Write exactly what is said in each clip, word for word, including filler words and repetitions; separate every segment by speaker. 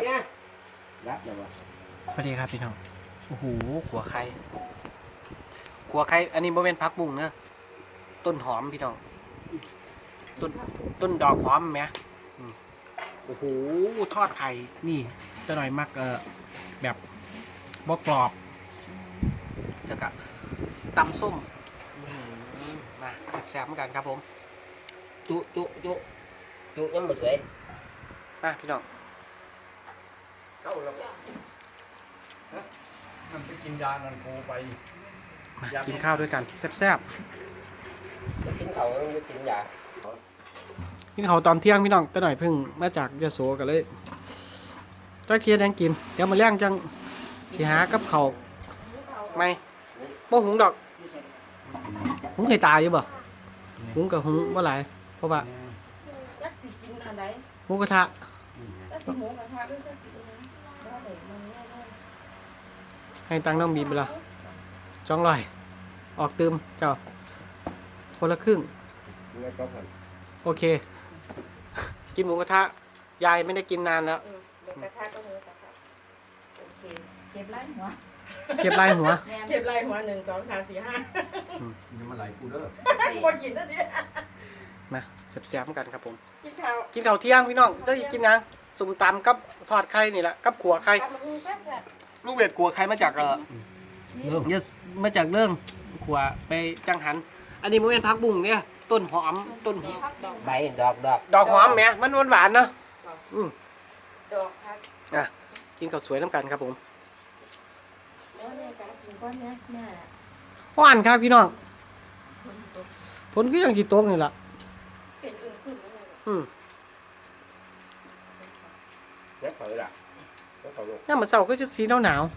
Speaker 1: นะรับเลยวะ
Speaker 2: สวัสดีครับพี่น้องโอ้โหขัวไข่ขัวไข่อันนี้โมเป็นพักบุ้งนะต้นหอมพี่น้องต้นต้นดอกหอมไหมโอ้โหทอดไข่นี่จะหน่อยมักเออแบบบกกรอบแล้วก็ตำส้มมาแซ่บๆเหมือนกันครับผม
Speaker 1: จุจุจุจุยังไม่สวย
Speaker 2: มาพี่น้อง
Speaker 1: เข้าแล้ว
Speaker 3: มันไปกินยานันโคไป
Speaker 2: มากินข้าวด้วยกันแซ่บ
Speaker 1: ๆกินเขาไม่กินยา
Speaker 2: กินข้าวตอนเที่ยงพี่น้องแต่หน่อยเพิ่งมาจากยโสกันเลยจ้าเทียนยังกินเดี๋ยวมาเลี้ยงจังสีหากับเขาไม่บ่หุงดอกหุงเคยตายอยู่บ่หุงกับหุงว่าหลายเพราะว่า
Speaker 4: จักสิกินอันใด
Speaker 2: หมูกระทะ
Speaker 4: จักสิหมูกระทะด้วยจักสิอันนั้นบ่ได้มันแน่นอน
Speaker 2: ให้ตังค์น้องบีมไปละสองร้อยออกตืมเจ้าคนละครึ่งโอเคกินหมูกระทะยายไม่ได้กินนานแล้ว
Speaker 4: เออหมูกระทะก็หมูกระทะโอเคเก็บไล่หัว
Speaker 2: เก็บลายหัว
Speaker 4: เก็บไล่หัวหนึ่งสองสามสี่ห้า
Speaker 3: นี่มันไหลกูเด้อ
Speaker 4: บ่กินแล้วเนี่ย
Speaker 2: นะแซ่บๆเหมือนกันครับผม
Speaker 4: กินข้าว
Speaker 2: กินข้าวเที่ยงพี่น้องได้กินยังสุ่มตำกับทอดไข่นี่แหละกับขัวไข่
Speaker 4: ทำมันแซ่บ
Speaker 2: ลูกเวทขัวไข่มาจากเออเรื่องมาจากเรื่องขัวไปจังหัน อันนี้มันเป็นพักบุ้งเนี่ยต้นหอมต้นหอม
Speaker 1: ใบดอกดอก
Speaker 2: ดอกหอมแหมมันหวานๆเนาะอืม
Speaker 4: ๆดอกครับ
Speaker 2: อ่ะกินข้าวสวยน้ำกันครับผม
Speaker 4: แล้วแม่จะกินก้อนเนี้ยแม่
Speaker 2: หวานครับพี่น้อง
Speaker 4: คนตก
Speaker 2: ผลก็ยังจีโต๊กนี่แหละ
Speaker 4: เป็นอื่นขึ้นแล้วเลย
Speaker 2: อืม
Speaker 1: นักเผยล่ะนักเผยลูก
Speaker 2: ย่ามมาเสาร์ก็จะสีหนาวหนาว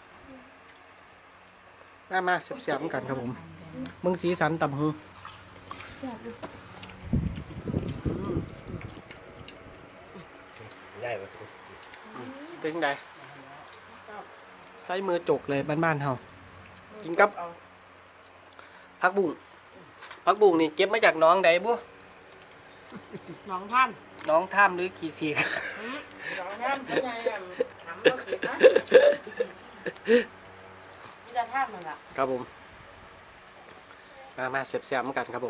Speaker 2: ๆมามาเสียบๆเหมือนกันครับผมมึงสีสันต่ำหู
Speaker 4: แซ่บอยู่
Speaker 1: ได้ปะ
Speaker 2: เป็นยังไงใส่มือจกเลยบ้านๆเฮากินกับพักบุ้งพักบุ้งนี่เก็บมาจากน้องใดบุ
Speaker 4: น้องท่าน
Speaker 2: น้องท่ามหรือขี่สี
Speaker 4: น้องท่านเป็นไงอ่ะถามว่าผิดนะมีแต่ท่านนั่นแหละ
Speaker 2: ครับผมมามาเสียบๆเหมือนกันครับผม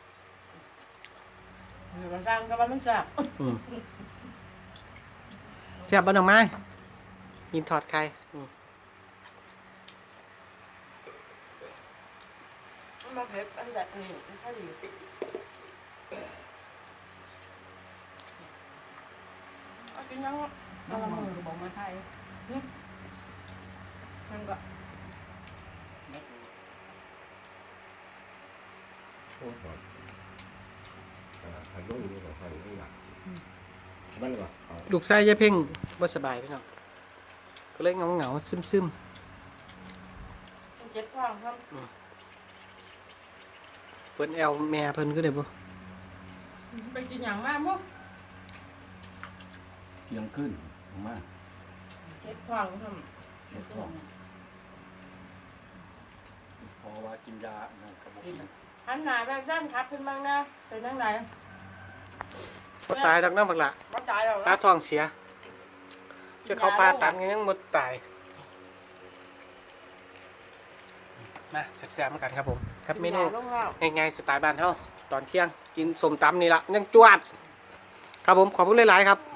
Speaker 4: มันสร้างก็ว่ามันแซ่บ
Speaker 2: อืมเสียบบ้านดอกไม้ยินทอดไข่อืม
Speaker 4: มันมาเผ็ดอันแบบนี้มันแค่ดีเอากินยังเอาละมือบอกมาไทยมันก็
Speaker 1: มันก็
Speaker 2: ลูกไส้ยายเพ่งบ่สบายพี่น้องก็เลยเงาเงาๆซึมซึม
Speaker 4: มันเจ็บท้องครับ
Speaker 2: ๆเพิ่นแอลแม่เพิ่นก็ได้บ่
Speaker 4: ไปกินอย่างมากมั้ง
Speaker 3: เที่ยงขึ้นมา
Speaker 4: เจ็บท้องครับ
Speaker 3: เด็กของพอว่ากินยานั่นกระบอก
Speaker 4: หันหน้าไปด้านครับขึ้นบ้างนะเป็นยังไง
Speaker 2: บ่ตายดอกน้ำบักละ
Speaker 4: มาตายแล้ว
Speaker 2: ตาท้องเสียจะเขาผ่าตัดยังบ่ตายมาแซ่บๆเหมือนกันครับผมครับเมนู
Speaker 4: ลงแล้ว
Speaker 2: ง่ายๆสไตล์บ้านเฮาตอนเที่ยงกินสมตำนี่ละยังจวดครับผมขอบคุณหลายๆครับ